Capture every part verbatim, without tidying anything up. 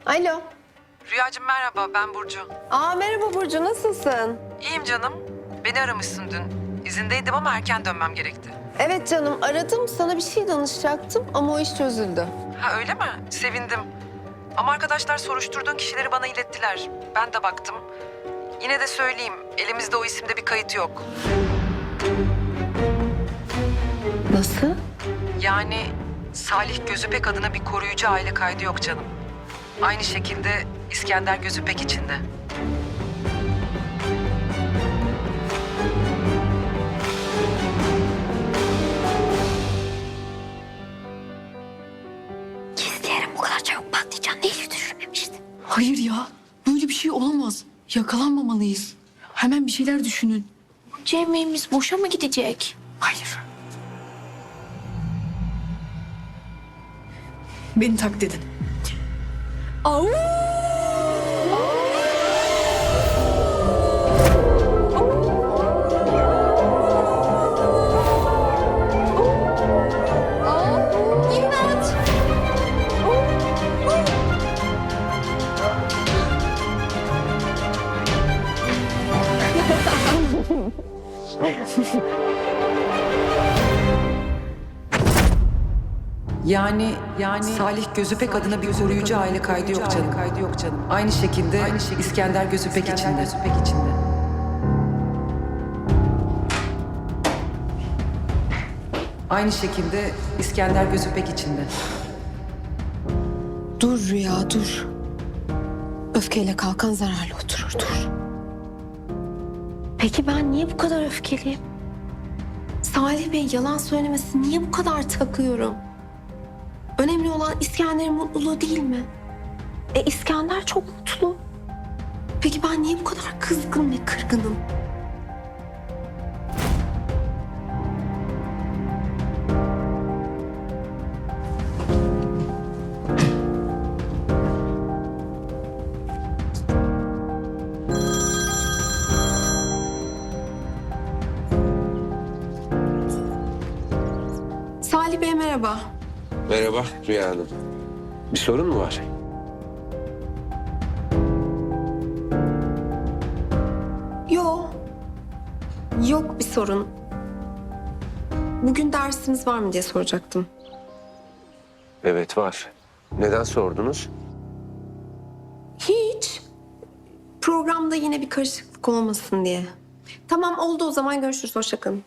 Alo. Rüyacığım merhaba, ben Burcu. Aa merhaba Burcu, nasılsın? İyiyim canım. Beni aramışsın dün. İzindeydim ama erken dönmem gerekti. Evet canım, aradım. Sana bir şey danışacaktım ama o iş çözüldü. Ha öyle mi? Sevindim. Ama arkadaşlar soruşturduğun kişileri bana ilettiler. Ben de baktım. Yine de söyleyeyim, elimizde o isimde bir kayıt yok. Nasıl? Yani Salih Gözüpek adına bir koruyucu aile kaydı yok canım. Aynı şekilde İskender Gözüpek için de. Gizleyelim, bu kadar çabuk patlayacağını hiç düşünmemiştim. Hayır ya, böyle bir şey olamaz. Yakalanmamalıyız. Hemen bir şeyler düşünün. Cemre'miz boşa mı gidecek? Hayır. Beni taklit edin. Au! İmdat! Yani yani Salih Gözüpek adına bir koruyucu aile kaydı yok canım. Kaydı yok canım. Aynı şekilde aynı şekilde İskender Gözüpek için de. Gözüpek için de. Aynı şekilde İskender Gözüpek için de. Dur Rüya, dur. Öfkeyle kalkan zararlı oturur, dur. Peki ben niye bu kadar öfkeliyim? Salih Bey yalan söylemesi niye bu kadar takıyorum? Önemli olan İskender'in mutluluğu değil mi? E İskender çok mutlu. Peki ben niye bu kadar kızgın ve kırgınım? Salih Bey merhaba. Merhaba Rüya Hanım. Bir sorun mu var? Yok. Yok bir sorun. Bugün dersiniz var mı diye soracaktım. Evet var. Neden sordunuz? Hiç. Programda yine bir karışıklık olmasın diye. Tamam oldu, o zaman görüşürüz. Hoşça kalın.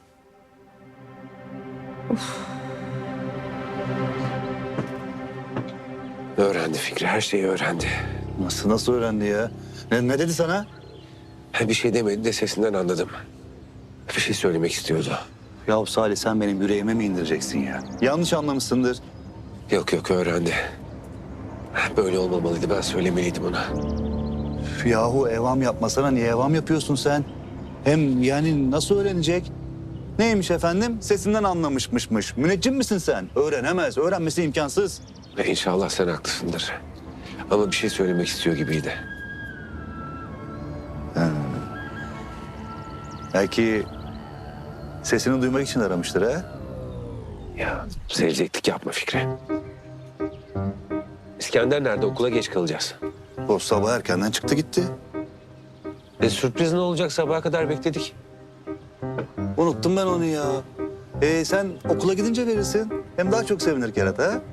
Öğrendi Fikri, her şeyi öğrendi. Nasıl nasıl öğrendi ya? Ne, ne dedi sana? Ha, bir şey demedi de sesinden anladım. Bir şey söylemek istiyordu. Ya Salih, sen benim yüreğime mi indireceksin ya? Yanlış anlamışsındır. Yok yok öğrendi. Böyle olmamalıydı, ben söylemeliydim ona. Yahu evam yapmasana, niye evam yapıyorsun sen? Hem yani nasıl öğrenecek? Neymiş efendim? Sesinden anlamışmışmış. Müneccim misin sen? Öğrenemez, öğrenmesi imkansız. Ve inşallah sen haklısındır. Ama bir şey söylemek istiyor gibiydi. Belki sesini duymak için aramıştır ha? Ya seveceklik yapma Fikri. İskender nerede? Okula geç kalacağız. O sabah erkenden çıktı gitti. E sürpriz ne olacak? Sabaha kadar bekledik. Unuttum ben onu ya. Ee, sen okula gidince verirsin. Hem daha çok sevinir Kerata ha?